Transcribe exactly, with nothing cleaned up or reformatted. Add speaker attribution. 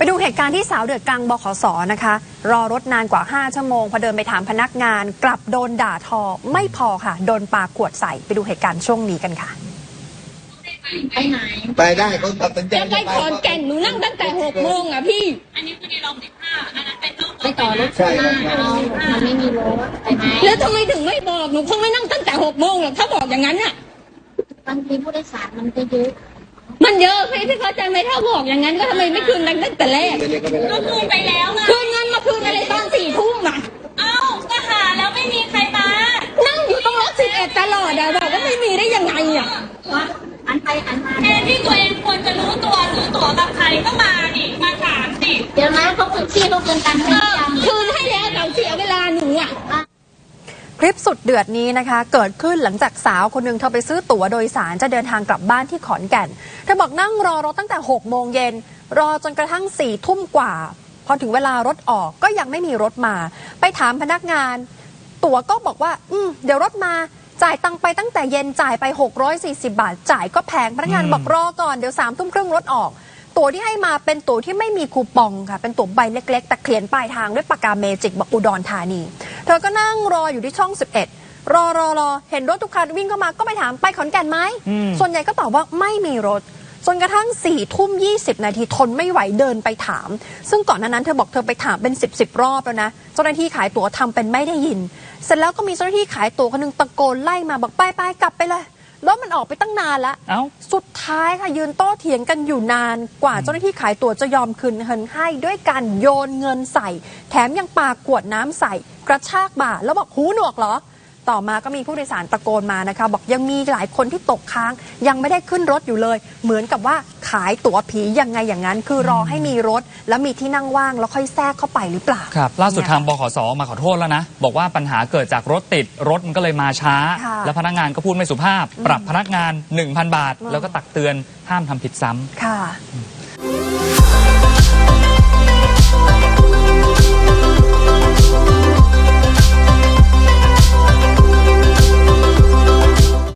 Speaker 1: ดูเหตุการณ์ที่สาวเดือดกลางบขสนะคะรอรถนานกว่าห้าชั่วโมงพอเดินไปถามพนักงานกลับโดนด่าทอไม่พอค่ะโดนปาขวดใส่ไปดูเหตุการณ์ช่วงนี้กันค่ะ
Speaker 2: ไปไหน
Speaker 3: ไปได้เขาตัดสินใจ
Speaker 2: จะไปขอนแก่นหนูนั่งตั้งแต่หกโมงอ่ะพี่
Speaker 4: อันนี้คือในรอบสิบห้าอันนั้นเป็นรอบ
Speaker 2: ไปต่อรถใช่มันไม่มีรถไปไหนแล้วทำไมถึงไม่บอกหนูคงไม่นั่งตั้งแต่หกโมงหรอกถ้าบอกอย่างนั้นอ่ะบางทีผู้โดยสารมันก็เยอะมันเยอะพี่พี่เข้าใจไหมถ้าบอกอย่างนั้นก็ทำไมไม่คืนตั้งแต่แรก
Speaker 4: ก็คืนไปแล้วไง
Speaker 2: คืนเงินมาคืนอะไรตอนสี่ทุ่มอ่ะ
Speaker 4: เอ้าก็หาแล้วไม่มีใครมา
Speaker 2: นั่งอยู่ตรงรถสิบเอ็ดตลอดอะบอกว่าไม่มีได้ยังไงอ่ะอันไปอันมา
Speaker 4: แทนที่ตัวเองควรจะรู้ตัวรู้ตัวกับใครก็มาดิมาถามสิ
Speaker 2: เดี๋ยวนะเขาคืนที่เขาคืนตังค์ให้คืนให้แล้วแต่เสียเวลาหนูอ่ะ
Speaker 1: คลิปสุดเดือดนี้นะคะเกิดขึ้นหลังจากสาวคนหนึ่งเธอไปซื้อตั๋วโดยสารจะเดินทางกลับบ้านที่ขอนแก่นเธอบอกนั่งรอรถตั้งแต่หกโมงเย็นรอจนกระทั่งสี่ทุ่มกว่าพอถึงเวลารถออกก็ยังไม่มีรถมาไปถามพนักงานตั๋วก็บอกว่าอืมเดี๋ยวรถมาจ่ายตังไปตั้งแต่เย็นจ่ายไปหกร้อยสี่สิบบาทจ่ายก็แพงพนักงานบอกรอก่อนเดี๋ยวสามทุ่มครึ่งรถออกตั๋วที่ให้มาเป็นตั๋วที่ไม่มีคูปองค่ะเป็นตั๋วใบเล็กๆแต่เขียนปลายทางด้วยปากกาเมจิกบอกอุดรธานีเธอก็นั่งรออยู่ที่ช่องสิบเอ็ดรอรอรอเห็นรถทุกคันวิ่งเข้ามาก็ไปถามไปขอนแก่นไหมส่วนใหญ่ก็ตอบว่าไม่มีรถจนกระทั่งสี่ทุ่มยี่สิบนาทีทนไม่ไหวเดินไปถามซึ่งก่อนหน้านั้นเธอบอกเธอไปถามเป็นสิบสิบรอบแล้วนะเจ้าหน้าที่ขายตั๋วทำเป็นไม่ได้ยินเสร็จแล้วก็มีเจ้าหน้าที่ขายตั๋วคนนึงตะโกนไล่มาบอกไปไปกลับไปเลยรถมันออกไปตั้งนานแล้วสุดท้ายค่ะยืนโต้เถียงกันอยู่นานกว่าเจ้าหน้าที่ขายตั๋วจะยอมคืนเงินให้ด้วยการโยนเงินใส่แถมยังปาขวดน้ำใส่กระชากบ่าแล้วบอกหูหนวกเหรอต่อมาก็มีผู้โดยสารตะโกนมานะคะบอกยังมีหลายคนที่ตกค้างยังไม่ได้ขึ้นรถอยู่เลยเหมือนกับว่าขายตั๋วผียังไงอย่างนั้นคือรอให้มีรถแล้วมีที่นั่งว่างแล้วค่อยแทรกเข้าไปหรือเปล่า
Speaker 5: ครับล่าสุดทางบขสมาขอโทษแล้วนะบอกว่าปัญหาเกิดจากรถติดรถมันก็เลยมาช้าแล้วพนักงานก็พูดไม่สุภาพปรับพนักงาน หนึ่งพัน บาทแล้วก็ตักเตือนห้ามทำผิดซ้ำ
Speaker 1: ค่ะ